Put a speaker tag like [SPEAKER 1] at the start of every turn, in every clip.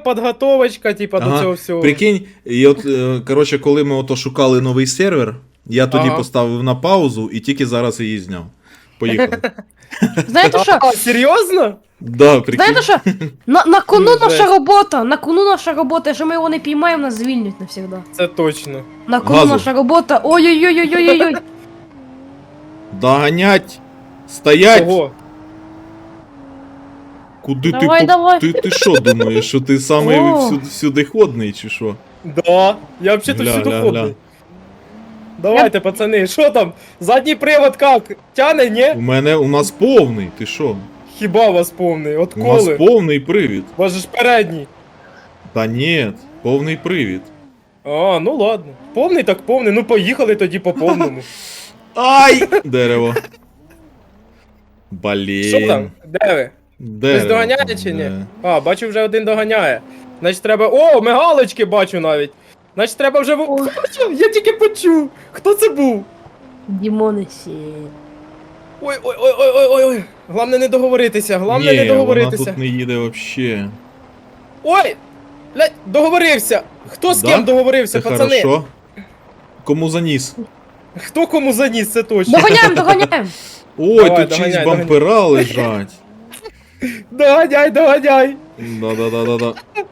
[SPEAKER 1] підготовочка, типа, до
[SPEAKER 2] Ага,
[SPEAKER 1] цього всього.
[SPEAKER 2] Прикинь, і от, коротше, коли ми ото шукали новий сервер, я тоді
[SPEAKER 1] Ага.
[SPEAKER 2] поставив на паузу і тільки зараз її зняв. Поїхали.
[SPEAKER 3] Знаєте що?
[SPEAKER 1] А, серйозно?
[SPEAKER 2] Да, прикинь.
[SPEAKER 3] Знаєте що? На кону
[SPEAKER 1] Жесть.
[SPEAKER 3] наша робота, на кону наша робота, якщо ми його не піймаємо, нас звільнять навсегда.
[SPEAKER 1] Це точно.
[SPEAKER 3] На кону
[SPEAKER 2] Газу.
[SPEAKER 3] наша робота, ой-ой-ой-ой-ой-ой.
[SPEAKER 2] Доганять! Стоять!
[SPEAKER 1] Ого.
[SPEAKER 2] Куди
[SPEAKER 3] Давай, давай.
[SPEAKER 2] ти що думаєш, що ти самий
[SPEAKER 3] О.
[SPEAKER 2] всюди ходний, чи що?
[SPEAKER 1] Да, я взагалі-то
[SPEAKER 2] Гля,
[SPEAKER 1] всюди
[SPEAKER 2] гля,
[SPEAKER 1] ходний.
[SPEAKER 2] гля.
[SPEAKER 1] Давайте, пацани, що там? Задній привод як? Тяне, ні?
[SPEAKER 2] У нас повний, ти що?
[SPEAKER 1] Хіба у вас повний?
[SPEAKER 2] У нас
[SPEAKER 1] Отколи?
[SPEAKER 2] повний привід.
[SPEAKER 1] У вас же ж передній.
[SPEAKER 2] Та ні, повний привід.
[SPEAKER 1] А, ну ладно. Повний так повний, ну поїхали тоді по повному.
[SPEAKER 2] Ай! Дерево.
[SPEAKER 1] Що там?
[SPEAKER 2] Блін.
[SPEAKER 1] Де ви?
[SPEAKER 2] Дерево.
[SPEAKER 1] Хтось доганяє чи ні?
[SPEAKER 2] Де?
[SPEAKER 1] А, бачу, вже один доганяє. Значить треба. О, мигалочки бачу навіть. Значить треба вже.
[SPEAKER 3] Ой.
[SPEAKER 1] Я тільки почув. Хто це був?
[SPEAKER 3] Дімонесі.
[SPEAKER 1] Ой. Главне не договоритися, главне
[SPEAKER 2] Ні,
[SPEAKER 1] не
[SPEAKER 2] вона
[SPEAKER 1] договоритися.
[SPEAKER 2] тут не їде вообще.
[SPEAKER 1] Ой! Блядь, договорився! Хто з
[SPEAKER 2] Да?
[SPEAKER 1] ким договорився,
[SPEAKER 2] Це
[SPEAKER 1] пацани?
[SPEAKER 2] хорошо. Кому заніс?
[SPEAKER 1] Хто кому заніс, це точно.
[SPEAKER 3] Доганяємо.
[SPEAKER 2] Ой,
[SPEAKER 1] Давай,
[SPEAKER 2] тут
[SPEAKER 1] доганяй,
[SPEAKER 2] чиїсь бампера лежать.
[SPEAKER 1] Доганяй!
[SPEAKER 2] Да-да-да-да-да.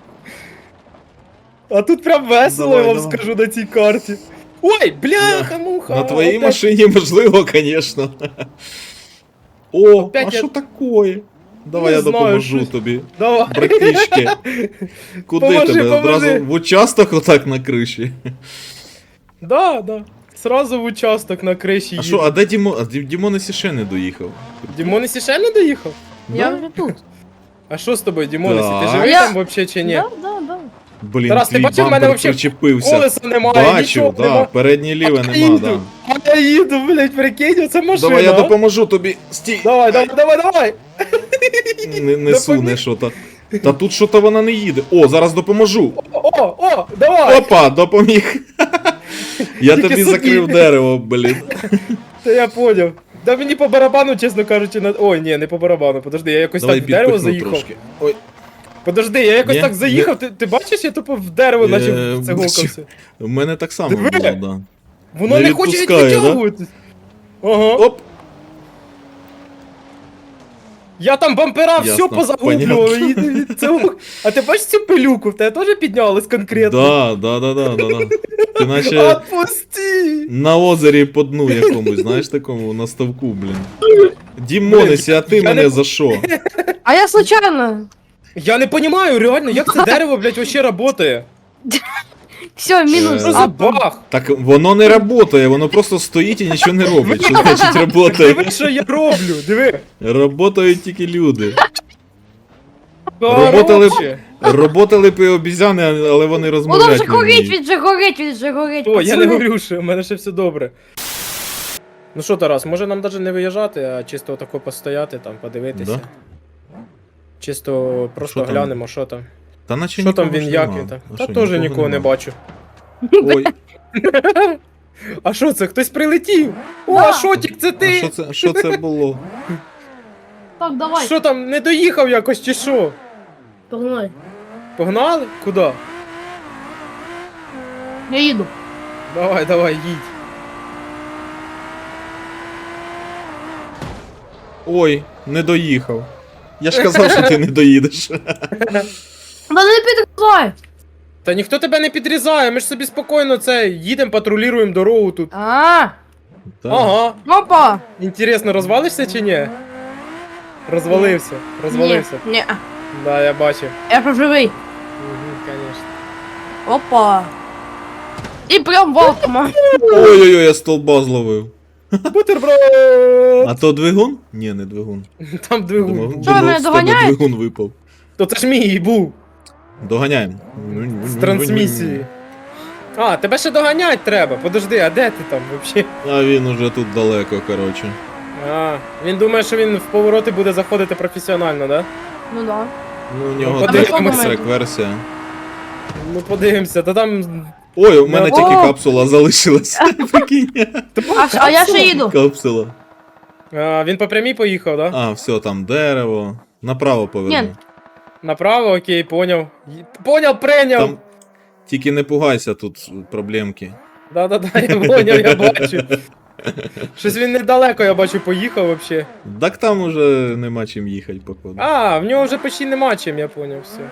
[SPEAKER 1] А тут прям весело,
[SPEAKER 2] Давай,
[SPEAKER 1] я вам
[SPEAKER 2] давай.
[SPEAKER 1] скажу на цій карті. Ой, бляха-муха!
[SPEAKER 2] На твоїй
[SPEAKER 1] опять-
[SPEAKER 2] машині можливо, конечно. О,
[SPEAKER 1] Опять
[SPEAKER 2] а
[SPEAKER 1] я-
[SPEAKER 2] що такое? Давай
[SPEAKER 1] Не
[SPEAKER 2] я
[SPEAKER 1] знаю,
[SPEAKER 2] допоможу
[SPEAKER 1] щось.
[SPEAKER 2] тобі.
[SPEAKER 1] Давай.
[SPEAKER 2] Братишки. Куди
[SPEAKER 1] Поможи,
[SPEAKER 2] тебе?
[SPEAKER 1] поможи.
[SPEAKER 2] Одразу в участок отак на криші.
[SPEAKER 1] Да. Сразу в участок на криші
[SPEAKER 2] А що,
[SPEAKER 1] їду.
[SPEAKER 2] а де Дімон? А Дімонесі ще не доїхав.
[SPEAKER 1] Дімонесі ще не доїхав?
[SPEAKER 3] Я вже тут.
[SPEAKER 1] А що з тобою, Дімонесі? Ти
[SPEAKER 2] Да.
[SPEAKER 1] живий
[SPEAKER 3] Я-
[SPEAKER 1] там вообще чи ні?
[SPEAKER 3] Да.
[SPEAKER 2] Блін,
[SPEAKER 1] Тарас, ти
[SPEAKER 2] твій
[SPEAKER 1] бачив, в мене
[SPEAKER 2] бампер
[SPEAKER 1] вообще
[SPEAKER 2] причепився.
[SPEAKER 1] Колеса немає,
[SPEAKER 2] Бачив,
[SPEAKER 1] нічого
[SPEAKER 2] да,
[SPEAKER 1] нема.
[SPEAKER 2] переднє ліве
[SPEAKER 1] А я
[SPEAKER 2] нема,
[SPEAKER 1] їду,
[SPEAKER 2] да.
[SPEAKER 1] а я їду, блядь, прикинь, оце машина.
[SPEAKER 2] Давай я
[SPEAKER 1] а?
[SPEAKER 2] допоможу тобі. Стій.
[SPEAKER 1] Давай.
[SPEAKER 2] Не суне що-то. Та тут що-то вона не їде. О, зараз допоможу.
[SPEAKER 1] Давай.
[SPEAKER 2] Опа, допоміг. Я
[SPEAKER 1] Тільки
[SPEAKER 2] тобі
[SPEAKER 1] собі.
[SPEAKER 2] закрив дерево, блін.
[SPEAKER 1] Та я поняв. Да мені по барабану, чесно кажучи, на... Ой, ні, не по барабану, подожди, я якось
[SPEAKER 2] Давай
[SPEAKER 1] так в дерево
[SPEAKER 2] підпихну
[SPEAKER 1] заїхав.
[SPEAKER 2] трошки. Ой,
[SPEAKER 1] Подожди, я якось
[SPEAKER 2] Ні,
[SPEAKER 1] так заїхав, ти бачиш, я тупо в дерево наче
[SPEAKER 2] бачу.
[SPEAKER 1] загукався.
[SPEAKER 2] в мене так само
[SPEAKER 1] Диви.
[SPEAKER 2] було, да.
[SPEAKER 1] Воно
[SPEAKER 2] Не
[SPEAKER 1] не хоче
[SPEAKER 2] відпускає, да?
[SPEAKER 1] відтягуватись. Ага.
[SPEAKER 2] Оп.
[SPEAKER 1] Я там бампера все
[SPEAKER 2] Ясно,
[SPEAKER 1] позагублював. А ти бачиш цю пилюку? В тебе теж піднялась конкретно?
[SPEAKER 2] Да. Ти наче
[SPEAKER 1] Отпусти!
[SPEAKER 2] на озері по дну якомусь, знаєш, такому, на ставку, блін. Дімонесі, а ти
[SPEAKER 1] я
[SPEAKER 2] мене
[SPEAKER 1] не-
[SPEAKER 2] за що?
[SPEAKER 3] А я случайно.
[SPEAKER 1] Я не розумію, реально, як це дерево, блядь, вообще працює?
[SPEAKER 3] Все, мінус.
[SPEAKER 1] Що за бах?
[SPEAKER 2] Так воно не працює, воно просто стоїть і нічого не робить. Що значить працює?
[SPEAKER 1] Диви, що я роблю, диви.
[SPEAKER 2] Работають тільки люди. Роботали б-
[SPEAKER 1] Короче.
[SPEAKER 2] Работали б і обізяни, але вони
[SPEAKER 3] Воно
[SPEAKER 2] розмовляти
[SPEAKER 3] вже
[SPEAKER 2] не
[SPEAKER 3] горить,
[SPEAKER 2] вміють.
[SPEAKER 3] він вже горить.
[SPEAKER 1] О, я не
[SPEAKER 3] пацани.
[SPEAKER 1] говорю, що у мене ще все добре. Ну що, Тарас, може нам навіть не виїжджати, а чисто отако постояти там, подивитися.
[SPEAKER 2] Да?
[SPEAKER 1] Чисто просто
[SPEAKER 2] Що там?
[SPEAKER 1] глянемо, що там.
[SPEAKER 2] Та наче
[SPEAKER 1] Що там
[SPEAKER 2] нікого
[SPEAKER 1] він,
[SPEAKER 2] ж
[SPEAKER 1] як
[SPEAKER 2] нема.
[SPEAKER 1] він там.
[SPEAKER 2] А
[SPEAKER 1] Та
[SPEAKER 2] що,
[SPEAKER 1] теж нікого не
[SPEAKER 2] нема?
[SPEAKER 1] бачу.
[SPEAKER 2] Ой,
[SPEAKER 1] А що це? Хтось прилетів? О,
[SPEAKER 3] Да.
[SPEAKER 1] Шотік, це
[SPEAKER 2] а
[SPEAKER 1] ти?
[SPEAKER 2] що це було?
[SPEAKER 3] Так, давай.
[SPEAKER 1] Що там, не доїхав якось чи що?
[SPEAKER 3] Погнали.
[SPEAKER 1] Погнали? Куди?
[SPEAKER 3] Я їду.
[SPEAKER 1] Давай, їдь.
[SPEAKER 2] Ой, не доїхав. Я ж казав, що ти не доїдеш.
[SPEAKER 3] Та не підказай.
[SPEAKER 1] Та ніхто тебе не підрізає, ми ж собі спокійно це їдемо, патрулюємо дорогу тут.
[SPEAKER 3] А,
[SPEAKER 2] Так.
[SPEAKER 1] Ага.
[SPEAKER 3] опа.
[SPEAKER 1] Інтересно, розвалишся чи ні? Розвалився.
[SPEAKER 3] Ні.
[SPEAKER 1] Да, я бачив.
[SPEAKER 3] Я проживий.
[SPEAKER 1] Угу, конечно.
[SPEAKER 3] Опа. І прям валкома.
[SPEAKER 2] Ой-ой-ой, я столба зловив.
[SPEAKER 1] Бутерброд!
[SPEAKER 2] А то двигун? Ні, не двигун.
[SPEAKER 1] Там двигун.
[SPEAKER 2] Думав,
[SPEAKER 3] Що, ви мене
[SPEAKER 2] з тебе
[SPEAKER 3] доганяєте?
[SPEAKER 2] двигун випав.
[SPEAKER 1] То це ж мій і був.
[SPEAKER 2] Доганяємо.
[SPEAKER 1] З трансмісії. А, тебе ще доганять треба. Подожди, а де ти там взагалі?
[SPEAKER 2] А він уже тут далеко, коротше.
[SPEAKER 1] А, він думає, що він в повороти буде заходити професіонально, да?
[SPEAKER 3] Ну да.
[SPEAKER 2] Ну, у нього
[SPEAKER 1] подивимося.
[SPEAKER 2] трек версія.
[SPEAKER 1] Ну подивимося, та там.
[SPEAKER 2] Ой, у мене
[SPEAKER 3] О!
[SPEAKER 2] тільки капсула залишилась. Прикинь.
[SPEAKER 3] А я ще їду.
[SPEAKER 2] Капсула.
[SPEAKER 1] А, він по прямій поїхав, да?
[SPEAKER 2] А, все, там дерево. Направо поверну.
[SPEAKER 3] Ні.
[SPEAKER 1] Направо, окей, поняв. Поняв, прийняв!
[SPEAKER 2] Там тільки не пугайся, тут проблемки.
[SPEAKER 1] Да-да-да, я поняв, я бачу. Щось він недалеко, я бачу, поїхав вообще.
[SPEAKER 2] Так там уже нема чим їхати, походу.
[SPEAKER 1] А, в нього вже почти нема чим, я поняв, все.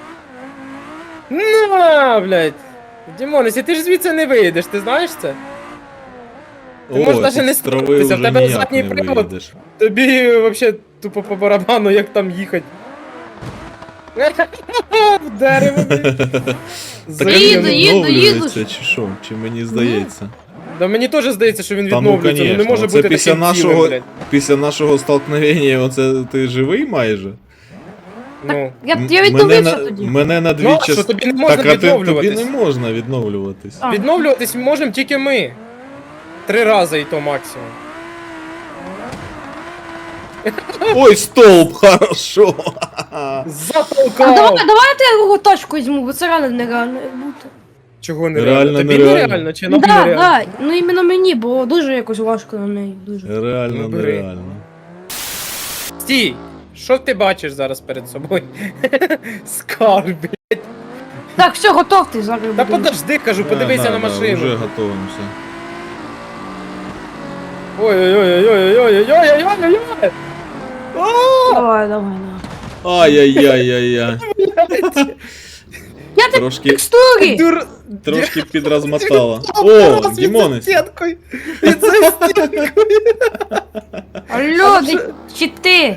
[SPEAKER 1] На, блядь. Дімонес, ти ж звідси не вийдеш, ти знаєш це? Ти можеш навіть не
[SPEAKER 2] з трави
[SPEAKER 1] строїтися, в
[SPEAKER 2] вже
[SPEAKER 1] тебе
[SPEAKER 2] ніяк
[SPEAKER 1] задній
[SPEAKER 2] не
[SPEAKER 1] привод.
[SPEAKER 2] виїдеш.
[SPEAKER 1] Тобі вообще тупо по барабану, як там їхати. В дерево, блядь.
[SPEAKER 2] Так
[SPEAKER 3] Їду,
[SPEAKER 2] він
[SPEAKER 3] їду,
[SPEAKER 2] відновлюється,
[SPEAKER 3] їду.
[SPEAKER 2] чи що? Чи мені здається?
[SPEAKER 1] Да мені теж здається, що він
[SPEAKER 2] Та ну,
[SPEAKER 1] відновлюється, ну не
[SPEAKER 2] конечно,
[SPEAKER 1] може
[SPEAKER 2] оце
[SPEAKER 1] бути
[SPEAKER 2] після
[SPEAKER 1] таким цілим,
[SPEAKER 2] нашого,
[SPEAKER 1] блядь.
[SPEAKER 2] після нашого столкновення, оце ти живий майже?
[SPEAKER 1] Ну.
[SPEAKER 3] Я
[SPEAKER 2] Мене
[SPEAKER 3] відновився
[SPEAKER 2] на,
[SPEAKER 3] тоді.
[SPEAKER 2] мене на дві
[SPEAKER 1] Ну, а що,
[SPEAKER 2] частини.
[SPEAKER 1] тобі не можна
[SPEAKER 2] Так, а тобі
[SPEAKER 1] відновлюватись?
[SPEAKER 2] не можна відновлюватись.
[SPEAKER 3] А.
[SPEAKER 1] Відновлюватись можемо тільки ми. 3 рази і то максимум.
[SPEAKER 2] Ой, столб, хорошо.
[SPEAKER 3] А
[SPEAKER 1] Затолкав!
[SPEAKER 3] давайте я його тачку візьму, бо це реально нереально як бути.
[SPEAKER 1] Чого нереально?
[SPEAKER 2] Реально
[SPEAKER 1] Тобі
[SPEAKER 2] нереально.
[SPEAKER 1] нереально чи нам
[SPEAKER 3] Да,
[SPEAKER 1] нереально?
[SPEAKER 3] да, ну іменно мені, бо дуже якось важко на неї, дуже.
[SPEAKER 2] Реально,
[SPEAKER 1] Ну, бери.
[SPEAKER 2] нереально.
[SPEAKER 1] Стій! Що ти бачиш зараз перед собою? Скарб, блядь.
[SPEAKER 3] Так, все, готовтесь зараз.
[SPEAKER 1] Та
[SPEAKER 3] будемо.
[SPEAKER 1] подожди, кажу, подивися
[SPEAKER 2] Да,
[SPEAKER 1] на
[SPEAKER 2] да,
[SPEAKER 1] машину.
[SPEAKER 2] Вже готуємося.
[SPEAKER 1] Ой-ой-ой-ой-ой-ой-ой-ой-ой-ой-ой!
[SPEAKER 3] Давай, давай, давай.
[SPEAKER 2] Ай-яй-яй-яй-яй.
[SPEAKER 3] Я так
[SPEAKER 2] Трошки,
[SPEAKER 3] текстурі!
[SPEAKER 1] Дур...
[SPEAKER 2] трошки підрозмотала. О,
[SPEAKER 1] Тарас, він за
[SPEAKER 2] Дімонес.
[SPEAKER 1] стінкою! Він за стінкою!
[SPEAKER 3] Алло, чи ти?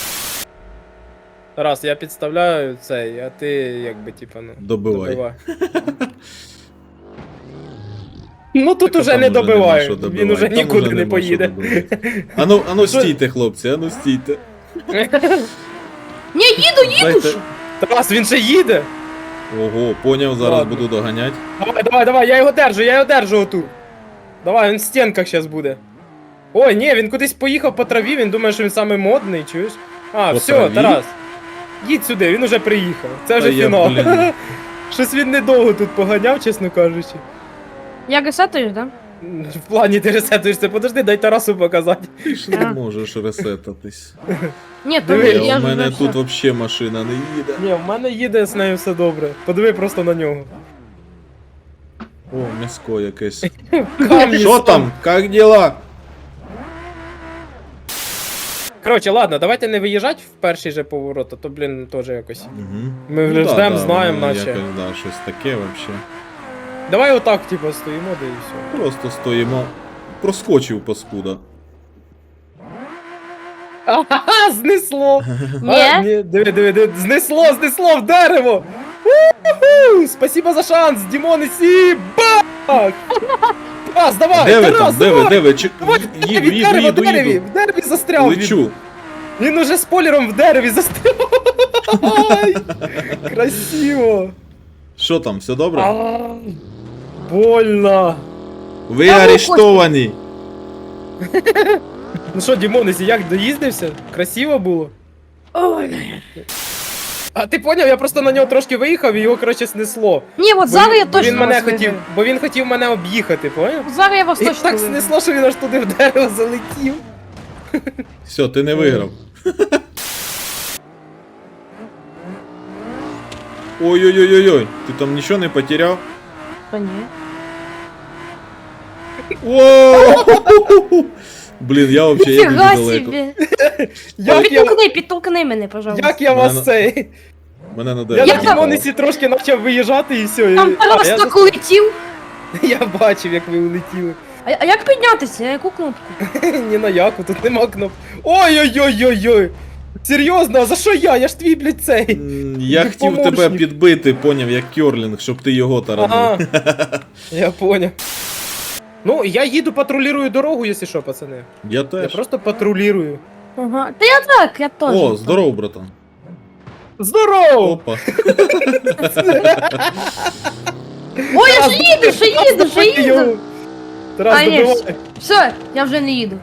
[SPEAKER 1] Тарас, я підставляю цей, а ти якби типа ну.
[SPEAKER 2] Добивай.
[SPEAKER 1] Ну тут
[SPEAKER 2] Так, а
[SPEAKER 1] уже
[SPEAKER 2] там
[SPEAKER 1] не
[SPEAKER 2] нема
[SPEAKER 1] добиває,
[SPEAKER 2] що
[SPEAKER 1] він
[SPEAKER 2] добивати,
[SPEAKER 1] уже
[SPEAKER 2] там
[SPEAKER 1] нікуди
[SPEAKER 2] уже
[SPEAKER 1] не
[SPEAKER 2] нема
[SPEAKER 1] поїде.
[SPEAKER 2] що добивати. Ану стійте, хлопці, ану стійте.
[SPEAKER 3] Ні, їду, їду
[SPEAKER 2] Дайте-
[SPEAKER 3] ж!
[SPEAKER 1] Тарас, він ще їде!
[SPEAKER 2] Ого, поняв, зараз
[SPEAKER 1] Ладно.
[SPEAKER 2] буду доганяти.
[SPEAKER 1] Давай, я його держу отут. Давай, він в стінках зараз буде. Ой, ні, він кудись поїхав по траві, він думає, що він самий модний, чуєш? А,
[SPEAKER 2] По
[SPEAKER 1] все,
[SPEAKER 2] траві?
[SPEAKER 1] Тарас. Їдь сюди, він уже приїхав. Це вже
[SPEAKER 2] Та я,
[SPEAKER 1] фінал.
[SPEAKER 2] блін.
[SPEAKER 1] Щось він недовго тут поганяв, чесно кажучи.
[SPEAKER 3] Я ресетуюсь, да?
[SPEAKER 1] В плані ти ресетуєшся, подожди, дай Тарасу показати.
[SPEAKER 2] Ти ж не можеш ресетатись.
[SPEAKER 3] Ні, то
[SPEAKER 1] Диви,
[SPEAKER 3] я
[SPEAKER 2] У
[SPEAKER 3] ж
[SPEAKER 2] мене
[SPEAKER 3] вже
[SPEAKER 2] тут
[SPEAKER 3] все.
[SPEAKER 2] взагалі машина не їде.
[SPEAKER 1] Ні, в мене їде з нею все добре. Подиви просто на нього.
[SPEAKER 2] О, м'яско якесь.
[SPEAKER 1] Камні
[SPEAKER 2] Що там? Как дела?
[SPEAKER 1] Коротше, ладно, давайте не виїжджати в перший же поворот, а то, блін, теж якось.
[SPEAKER 2] Угу.
[SPEAKER 1] Ми вже ждем, знаємо, наче.
[SPEAKER 2] Якось, да, щось таке вообще.
[SPEAKER 1] Давай отак, типу, стоїмо, да і все.
[SPEAKER 2] Просто стоїмо. Проскочив паскуда.
[SPEAKER 1] Ага, знесло! А,
[SPEAKER 3] Ні?
[SPEAKER 1] диви, знесло в дерево! У-ху! Спасибо за шанс, Дімон і Сі! Бах! Тарас, давай!
[SPEAKER 2] Де ви
[SPEAKER 1] Тарас,
[SPEAKER 2] там?
[SPEAKER 1] давай!
[SPEAKER 2] Де ви? Чи...
[SPEAKER 1] Давай,
[SPEAKER 2] Їду.
[SPEAKER 1] в дереві застряв він.
[SPEAKER 2] Лечу.
[SPEAKER 1] Він уже спойлером в дереві застряв. Ай, красиво.
[SPEAKER 2] Що там, все добре?
[SPEAKER 1] А, больно.
[SPEAKER 2] Ви
[SPEAKER 3] Та ну,
[SPEAKER 2] арештовані.
[SPEAKER 1] Ну що, Дімонесі, як доїздився? Красиво було?
[SPEAKER 3] Ой.
[SPEAKER 1] А ти поняв, я просто на нього трошки виїхав і його, коротше, снесло.
[SPEAKER 3] Ні, от зараз я точно
[SPEAKER 1] він мене
[SPEAKER 3] вас
[SPEAKER 1] хотів,
[SPEAKER 3] виграю.
[SPEAKER 1] бо він хотів мене об'їхати, поняв?
[SPEAKER 3] Зараз я вас
[SPEAKER 1] І
[SPEAKER 3] точно
[SPEAKER 1] так
[SPEAKER 3] виграю.
[SPEAKER 1] снесло, що він аж туди в дерево залетів.
[SPEAKER 2] Все, ти не виграв. Ой-ой-ой-ой, ти там нічого не потеряв?
[SPEAKER 3] Та ні.
[SPEAKER 2] Воу! Блін, я взагалі я
[SPEAKER 3] Фіга
[SPEAKER 2] дуже далеко.
[SPEAKER 3] собі.
[SPEAKER 1] Як я,
[SPEAKER 3] Підтолкни мене, пожалуйста.
[SPEAKER 1] як я вас цей?
[SPEAKER 2] Мене на
[SPEAKER 1] Я
[SPEAKER 2] дерево.
[SPEAKER 1] на
[SPEAKER 3] там-
[SPEAKER 1] Дімонесі трошки почав виїжджати і все.
[SPEAKER 3] Там Тарас так улетів.
[SPEAKER 1] Я бачив, як ви улетіли.
[SPEAKER 3] А як піднятися? Яку кнопку?
[SPEAKER 1] Ні на яку, тут нема кноп. Ой-ой-ой-ой-ой! Серйозно, а за що я? Я ж твій, блядь, цей.
[SPEAKER 2] Я
[SPEAKER 1] Ти
[SPEAKER 2] хотів тебе
[SPEAKER 1] помощник.
[SPEAKER 2] підбити, поняв, як керлінг, щоб ти його таранув.
[SPEAKER 1] Ага, я понял. Ну, я їду патрулюю дорогу, якщо що, пацани.
[SPEAKER 2] Я
[SPEAKER 1] Я
[SPEAKER 2] теж.
[SPEAKER 1] просто патрулюю.
[SPEAKER 3] Ага. Та я так, я теж.
[SPEAKER 2] О, здоров, братан.
[SPEAKER 1] Здорово!
[SPEAKER 2] Опа.
[SPEAKER 3] Ой, я ще їду.
[SPEAKER 1] Тарас,
[SPEAKER 3] А, ні,
[SPEAKER 1] добивай.
[SPEAKER 3] Все, я вже не їду.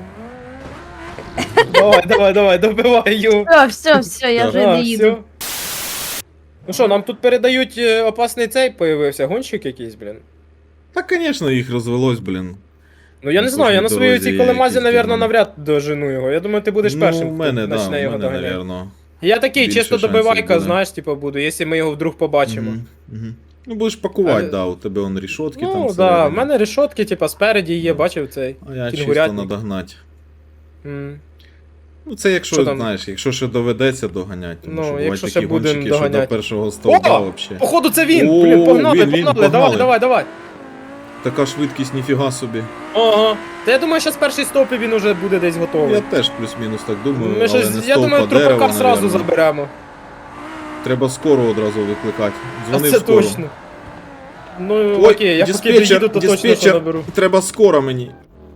[SPEAKER 1] Давай, добивай його.
[SPEAKER 3] Все, я вже
[SPEAKER 1] А,
[SPEAKER 3] не їду.
[SPEAKER 1] всьо. Ну що, нам тут передають опасний цей появився, гонщик якийсь, блін.
[SPEAKER 2] Та, звісно, їх розвелось, блін.
[SPEAKER 1] Ну я не
[SPEAKER 2] На
[SPEAKER 1] знаю, я на
[SPEAKER 2] кожній
[SPEAKER 1] своїй
[SPEAKER 2] дорозі
[SPEAKER 1] цій
[SPEAKER 2] є
[SPEAKER 1] колемазі,
[SPEAKER 2] якісь
[SPEAKER 1] навірно,
[SPEAKER 2] демони.
[SPEAKER 1] навряд дожену його. Я думаю, ти будеш першим,
[SPEAKER 2] Ну, в мене,
[SPEAKER 1] хто
[SPEAKER 2] да,
[SPEAKER 1] почне
[SPEAKER 2] в
[SPEAKER 1] його
[SPEAKER 2] мене,
[SPEAKER 1] доганяти.
[SPEAKER 2] навірно.
[SPEAKER 1] Я такий,
[SPEAKER 2] Більше
[SPEAKER 1] чисто
[SPEAKER 2] шансів
[SPEAKER 1] добивайка,
[SPEAKER 2] буде.
[SPEAKER 1] знаєш, типу, буду, якщо ми його вдруг побачимо.
[SPEAKER 2] Ну будеш пакувати,
[SPEAKER 1] Але-
[SPEAKER 2] да, у тебе он рішотки там
[SPEAKER 1] Ну, да,
[SPEAKER 2] всередині.
[SPEAKER 1] в мене решотки, типа, спереді є, бачив цей.
[SPEAKER 2] А я чисто
[SPEAKER 1] кінгурятник.
[SPEAKER 2] надогнать.
[SPEAKER 1] М.
[SPEAKER 2] Ну це якщо,
[SPEAKER 1] Що там?
[SPEAKER 2] знаєш, якщо ще доведеться доганять, тому
[SPEAKER 1] Ну,
[SPEAKER 2] що бувають
[SPEAKER 1] якщо
[SPEAKER 2] такі
[SPEAKER 1] ще будем
[SPEAKER 2] гонщики, що до
[SPEAKER 1] доганять.
[SPEAKER 2] першого стовба
[SPEAKER 1] О!
[SPEAKER 2] вообще.
[SPEAKER 1] Походу це він!
[SPEAKER 2] О,
[SPEAKER 1] Блін, погнали,
[SPEAKER 2] він,
[SPEAKER 1] погнали,
[SPEAKER 2] погнали.
[SPEAKER 1] давай.
[SPEAKER 2] Така швидкість, ніфіга собі.
[SPEAKER 1] Ага. Та я думаю, зараз перший стоп і він уже буде десь готовий.
[SPEAKER 2] Я теж плюс-мінус так думаю,
[SPEAKER 1] Ми
[SPEAKER 2] але
[SPEAKER 1] щось,
[SPEAKER 2] не
[SPEAKER 1] я думаю,
[SPEAKER 2] стовпа, дерева,
[SPEAKER 1] трупака сразу
[SPEAKER 2] навірно.
[SPEAKER 1] заберемо.
[SPEAKER 2] Треба скоро одразу викликати.
[SPEAKER 1] А
[SPEAKER 2] Дзвони
[SPEAKER 1] це
[SPEAKER 2] в скоро.
[SPEAKER 1] точно. Ну,
[SPEAKER 2] Ой,
[SPEAKER 1] окей, я поки
[SPEAKER 2] диспетчер,
[SPEAKER 1] доїду, то точно що
[SPEAKER 2] диспетчер,
[SPEAKER 1] наберу.
[SPEAKER 2] треба скоро мені.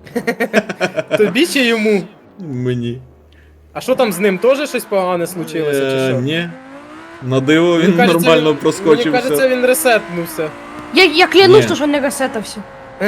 [SPEAKER 1] Тобі чи йому?
[SPEAKER 2] Мені.
[SPEAKER 1] А що там з ним, теж щось погане случилося, чи що?
[SPEAKER 2] Ні. На диво він
[SPEAKER 1] Мені кажеться,
[SPEAKER 2] нормально
[SPEAKER 1] Мені
[SPEAKER 2] проскочив
[SPEAKER 1] кажеться,
[SPEAKER 2] все.
[SPEAKER 1] він ресетнувся.
[SPEAKER 3] Я клянусь,
[SPEAKER 2] Ні.
[SPEAKER 3] що не ресетався.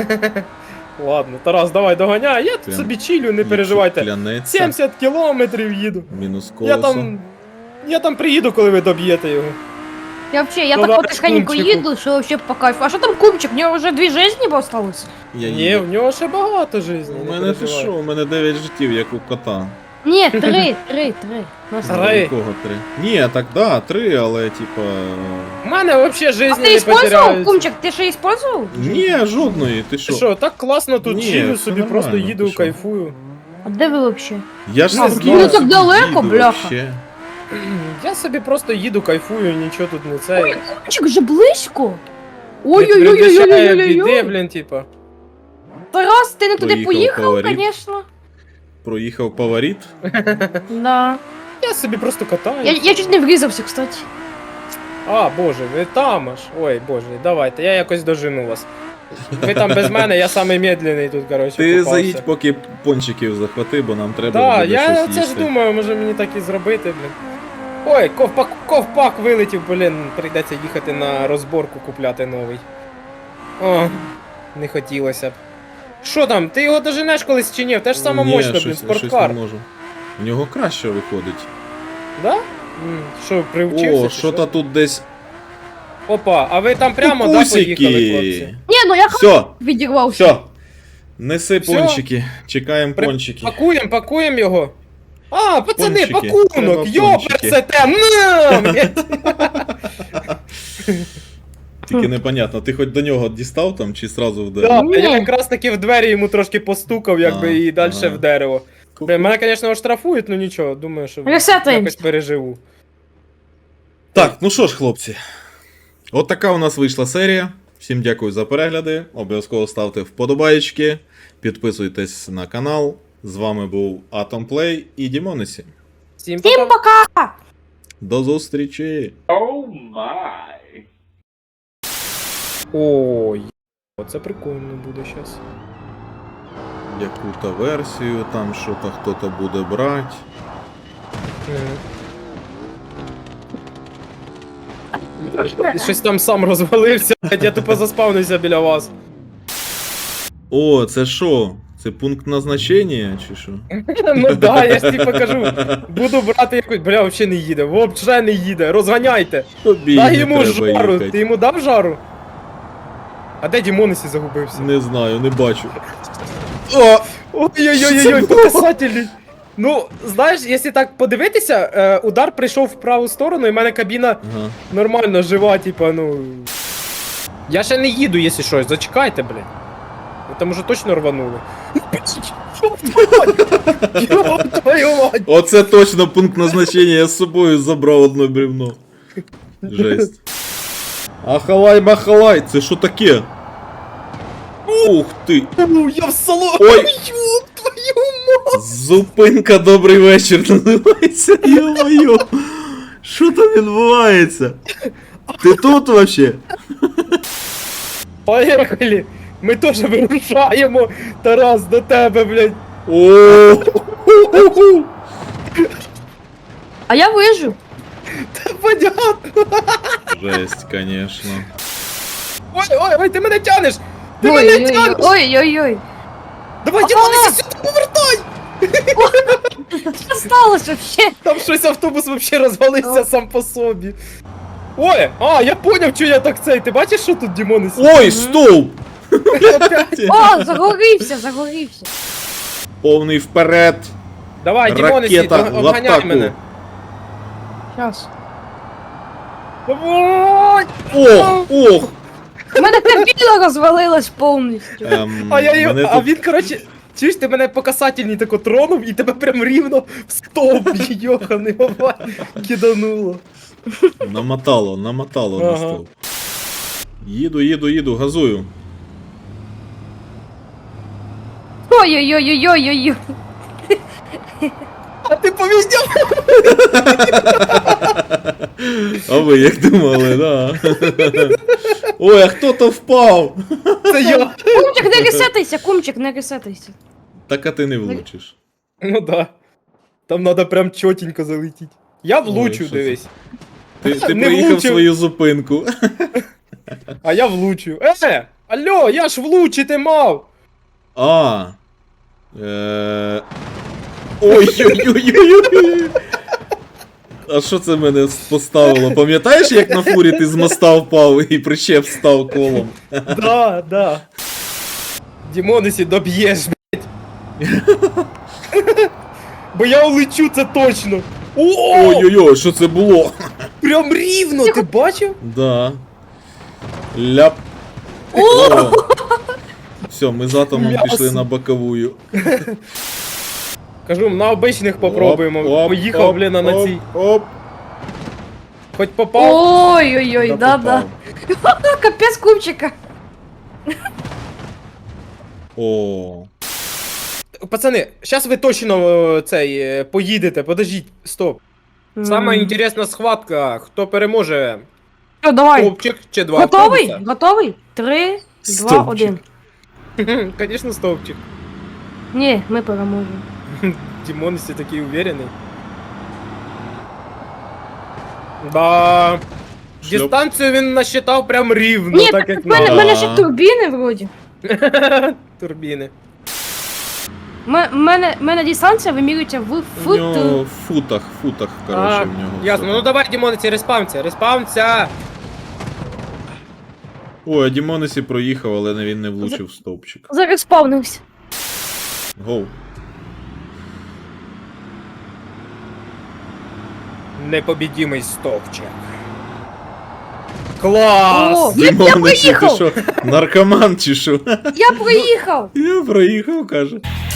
[SPEAKER 1] Ладно, Тарас, давай доганяй, я тут
[SPEAKER 2] Прям,
[SPEAKER 1] собі чилю, не
[SPEAKER 2] Якщо
[SPEAKER 1] переживайте.
[SPEAKER 2] клянеться,
[SPEAKER 1] 70 кілометрів їду.
[SPEAKER 2] мінус колесо.
[SPEAKER 1] Я там приїду, коли ви доб'єте його.
[SPEAKER 3] Я
[SPEAKER 1] Ну,
[SPEAKER 3] так
[SPEAKER 1] да,
[SPEAKER 3] потихеньку
[SPEAKER 1] кумчику.
[SPEAKER 3] їду, що вообще по кайфу. А що там кумчик? У нього вже 2 жизни осталось?
[SPEAKER 2] Я
[SPEAKER 1] Ні,
[SPEAKER 2] їду.
[SPEAKER 1] в нього ще багато життя.
[SPEAKER 2] У мене ти що? У мене 9 життів, як у кота.
[SPEAKER 3] Ні, 3. Ну,
[SPEAKER 1] Три.
[SPEAKER 2] У кого 3? Ні, так да, 3, але типа.
[SPEAKER 1] У мене взагалі
[SPEAKER 3] А
[SPEAKER 1] життя
[SPEAKER 3] ти
[SPEAKER 1] не
[SPEAKER 3] использовал,
[SPEAKER 1] потеряють.
[SPEAKER 3] кумчик? Ти ще использовал?
[SPEAKER 2] Ні, жодної, ти
[SPEAKER 1] Ти
[SPEAKER 2] що?
[SPEAKER 1] що, так класно тут
[SPEAKER 2] Ні,
[SPEAKER 1] чилю
[SPEAKER 2] все
[SPEAKER 1] собі, просто
[SPEAKER 2] нормально,
[SPEAKER 1] їду,
[SPEAKER 2] ти що?
[SPEAKER 1] кайфую.
[SPEAKER 3] А де ви вообще?
[SPEAKER 2] Я ж
[SPEAKER 1] Ну,
[SPEAKER 2] спокійно
[SPEAKER 1] ну, так
[SPEAKER 2] собі
[SPEAKER 3] далеко,
[SPEAKER 2] їду
[SPEAKER 3] бляха.
[SPEAKER 2] вообще.
[SPEAKER 1] Я собі просто їду, кайфую, нічого тут не
[SPEAKER 3] Ой,
[SPEAKER 1] це.
[SPEAKER 3] кумчик же близько.
[SPEAKER 1] Не передбачає біди,
[SPEAKER 3] Ой-ой-ой-ой-ой-ой-ой.
[SPEAKER 1] блін, типа.
[SPEAKER 3] Тарас, ти не туди
[SPEAKER 2] Поїхав,
[SPEAKER 3] поїхав,
[SPEAKER 2] фаворит.
[SPEAKER 3] конечно.
[SPEAKER 2] Проїхав поворіт.
[SPEAKER 3] Да.
[SPEAKER 1] Я собі просто катаю.
[SPEAKER 3] Я чуть не врізався, кстати.
[SPEAKER 1] А, боже, ви там аж. Ой, боже, давайте, я якось дожену вас. Ви там без мене, я самий медленний тут, коротше,
[SPEAKER 2] Ти
[SPEAKER 1] попався.
[SPEAKER 2] заїдь, поки пончиків захвати, бо нам треба
[SPEAKER 1] Да,
[SPEAKER 2] буде
[SPEAKER 1] я
[SPEAKER 2] щось
[SPEAKER 1] це ж
[SPEAKER 2] їсти.
[SPEAKER 1] думаю, може мені так і зробити, блін. Ой, ковпак вилетів, блін, прийдеться їхати на розборку купляти новий. О, не хотілося б. Що там, ти його доженеш колись чи ні? Те ж саме
[SPEAKER 2] Ні,
[SPEAKER 1] мощно, блін,
[SPEAKER 2] щось
[SPEAKER 1] спорткар.
[SPEAKER 2] не можу. В нього краще виходить.
[SPEAKER 1] Да? Що, привчився?
[SPEAKER 2] О,
[SPEAKER 1] чи
[SPEAKER 2] що-то тут десь.
[SPEAKER 1] Опа, а ви там прямо, да, поїхали, хлопці?
[SPEAKER 3] Ні, ну я
[SPEAKER 2] Все,
[SPEAKER 3] відірвався.
[SPEAKER 2] все. Неси
[SPEAKER 1] Всьо?
[SPEAKER 2] пончики. Чекаємо пончики.
[SPEAKER 1] Пакуємо його. А, пацани,
[SPEAKER 2] Пончики.
[SPEAKER 1] пакунок!
[SPEAKER 2] Треба
[SPEAKER 1] Йоперсете!
[SPEAKER 2] Тільки непонятно, ти хоч до нього дістав там чи сразу в
[SPEAKER 1] Да,
[SPEAKER 2] дерево?
[SPEAKER 3] Ні.
[SPEAKER 1] я якраз таки в двері йому трошки постукав, якби,
[SPEAKER 2] А,
[SPEAKER 1] і далі
[SPEAKER 2] ага.
[SPEAKER 1] в дерево. Блін, мене, звісно, оштрафують, ну нічого, думаю, що
[SPEAKER 3] Ресетаємось.
[SPEAKER 1] якось переживу.
[SPEAKER 2] Так, ну що ж, хлопці. От така у нас вийшла серія. Всім дякую за перегляди. Обов'язково ставте вподобаєчки, підписуйтесь на канал. З вами був Atom Play і Дімонесі.
[SPEAKER 1] Всім
[SPEAKER 3] Всім
[SPEAKER 1] пока!
[SPEAKER 3] пока!
[SPEAKER 2] До зустрічі!
[SPEAKER 1] Ой, оце прикольно буде зараз.
[SPEAKER 2] Яку-то версію, там що-то хто-то буде брати.
[SPEAKER 1] Щось там сам розвалився, я тупо заспавнився біля вас.
[SPEAKER 2] О, це що? Це пункт назначення чи що?
[SPEAKER 1] Ну да, я ж тобі покажу. Буду брати якусь. Бля, взагалі не їде, взагалі не їде. Розганяйте.
[SPEAKER 2] Тобі
[SPEAKER 1] Дай
[SPEAKER 2] не
[SPEAKER 1] йому
[SPEAKER 2] треба
[SPEAKER 1] жару.
[SPEAKER 2] їхати.
[SPEAKER 1] Ти йому дав жару? А де Дімонесі загубився?
[SPEAKER 2] Не знаю, не бачу. О!
[SPEAKER 1] Ой-ой-ой-ой, показателі. Ну, знаєш, якщо так подивитися, удар прийшов в праву сторону, і в мене кабіна
[SPEAKER 2] Ага.
[SPEAKER 1] нормально жива, типа, ну. Я ще не їду, якщо щось, зачекайте, блін. Ви там уже точно рванули. Йоп твою мать!
[SPEAKER 2] Оце точно пункт назначення, я з собою забрав одно бревно. Жесть. Ахалай-махалай, це що таке? Ух ти!
[SPEAKER 1] Я в салоні!
[SPEAKER 2] Ой!
[SPEAKER 1] Йоп твою мать!
[SPEAKER 2] Зупинка, добрий вечір називається. Йо-моє! Що там відбувається? Ти тут вообще?
[SPEAKER 1] Поїхали! Ми теж вирушаємо, Тарас, до тебе, блядь!
[SPEAKER 2] О!
[SPEAKER 3] А я вижу.
[SPEAKER 1] Та понятно!
[SPEAKER 2] Жесть, конечно.
[SPEAKER 1] Ой, ти мене тянеш! Ти мене тянеш!
[SPEAKER 3] Ой-ой-ой.
[SPEAKER 1] Давай, Дімонесі, сюди повертай!
[SPEAKER 3] Що сталося вообще?
[SPEAKER 1] Там щось автобус вообще розвалився сам по собі. Ой, я поняв, що я так цей. Ти бачиш, що тут Дімонесі?
[SPEAKER 2] Ой, стовп!
[SPEAKER 1] Опять.
[SPEAKER 3] О, загорівся.
[SPEAKER 2] Повний вперед!
[SPEAKER 1] Давай, Дімонесі,
[SPEAKER 2] Ракета в
[SPEAKER 1] обганяй
[SPEAKER 2] атаку.
[SPEAKER 1] мене.
[SPEAKER 3] Щас.
[SPEAKER 1] Ой!
[SPEAKER 2] Ох!
[SPEAKER 3] У мене кабіна розвалилась повністю.
[SPEAKER 1] А я його,
[SPEAKER 2] мене
[SPEAKER 1] а
[SPEAKER 2] тут-
[SPEAKER 1] він, коротше, чуєш, ти мене по касательній тако тронув і тебе прям рівно в стовп, йоханий баба, кидануло.
[SPEAKER 2] Намотало на
[SPEAKER 1] Ага.
[SPEAKER 2] стовп. Їду, газую.
[SPEAKER 3] Ой-ой-ой-ой-ой-ой.
[SPEAKER 1] А ти повіздяв?
[SPEAKER 2] А ви як думали, да? Ой, а хто то впав?
[SPEAKER 1] Це я.
[SPEAKER 3] Кумчик, не ресетайся, кумчик, не ресетайся.
[SPEAKER 2] Так а ти не влучиш.
[SPEAKER 1] Ну да. Там надо прям чотенько залетіти. Я влучу,
[SPEAKER 2] що це?
[SPEAKER 1] дивись.
[SPEAKER 2] Ти
[SPEAKER 1] Не
[SPEAKER 2] проїхав
[SPEAKER 1] влучив.
[SPEAKER 2] свою зупинку.
[SPEAKER 1] А я влучу. Алло, я ж влучити мав!
[SPEAKER 2] А. Ой-ой-ой-ой-ой. А що це мене поставило? Пам'ятаєш, як на фурі ти з моста впав і причеп став колом?
[SPEAKER 1] Да. Дімонесі, доб'єш, блядь. Бо я улечу, це точно. О!
[SPEAKER 2] Ой-ой-ой, що це було?
[SPEAKER 1] Прям рівно, ти бачив?
[SPEAKER 2] Да. Ляп. О! Все, ми з атомом
[SPEAKER 1] М'ясо.
[SPEAKER 2] пішли на боковую.
[SPEAKER 1] Кажу, на обичних попробуємо.
[SPEAKER 2] Оп,
[SPEAKER 1] Поїхав,
[SPEAKER 2] оп,
[SPEAKER 1] блін, на
[SPEAKER 2] оп,
[SPEAKER 1] цій.
[SPEAKER 2] Оп.
[SPEAKER 1] Хоч попав.
[SPEAKER 3] Ой-ой-ой, да-да.
[SPEAKER 2] попав.
[SPEAKER 3] Капець кумчика.
[SPEAKER 2] О.
[SPEAKER 1] Пацани, зараз ви точно поїдете, подождіть, стоп. Сама інтересна схватка, хто переможе?
[SPEAKER 3] Що, давай.
[SPEAKER 1] Стовпчик чи два
[SPEAKER 3] Готовий?
[SPEAKER 1] автобуса?
[SPEAKER 3] Готовий? 3, 2,
[SPEAKER 2] Стовпчик.
[SPEAKER 3] 1.
[SPEAKER 1] Конечно, стовпчик.
[SPEAKER 3] Ні, ми переможемо.
[SPEAKER 1] Димон все такий уверенный. Да.
[SPEAKER 2] Шльоп.
[SPEAKER 1] Дистанцію він насчитав прям рівно,
[SPEAKER 3] Ні,
[SPEAKER 1] так
[SPEAKER 3] так
[SPEAKER 1] як
[SPEAKER 3] в мене,
[SPEAKER 1] надо.
[SPEAKER 3] в мене ще турбіни вроді.
[SPEAKER 1] Турбіни.
[SPEAKER 3] Мене дистанція вимірюється в
[SPEAKER 2] У нього в футах, коротше, в нього.
[SPEAKER 1] Ясно,
[SPEAKER 2] все.
[SPEAKER 1] ну давай, Дімонеці, респамся.
[SPEAKER 2] Ой, а Дімонесі проїхав, але він не влучив в стовпчик.
[SPEAKER 3] Зараз спавнився.
[SPEAKER 2] Гоу.
[SPEAKER 1] Непобідімий стовпчик. Клас!
[SPEAKER 3] О!
[SPEAKER 2] Дімонесі, ти
[SPEAKER 3] проїхав!
[SPEAKER 2] що, наркоман чи що?
[SPEAKER 3] Я проїхав!
[SPEAKER 2] Я проїхав, каже.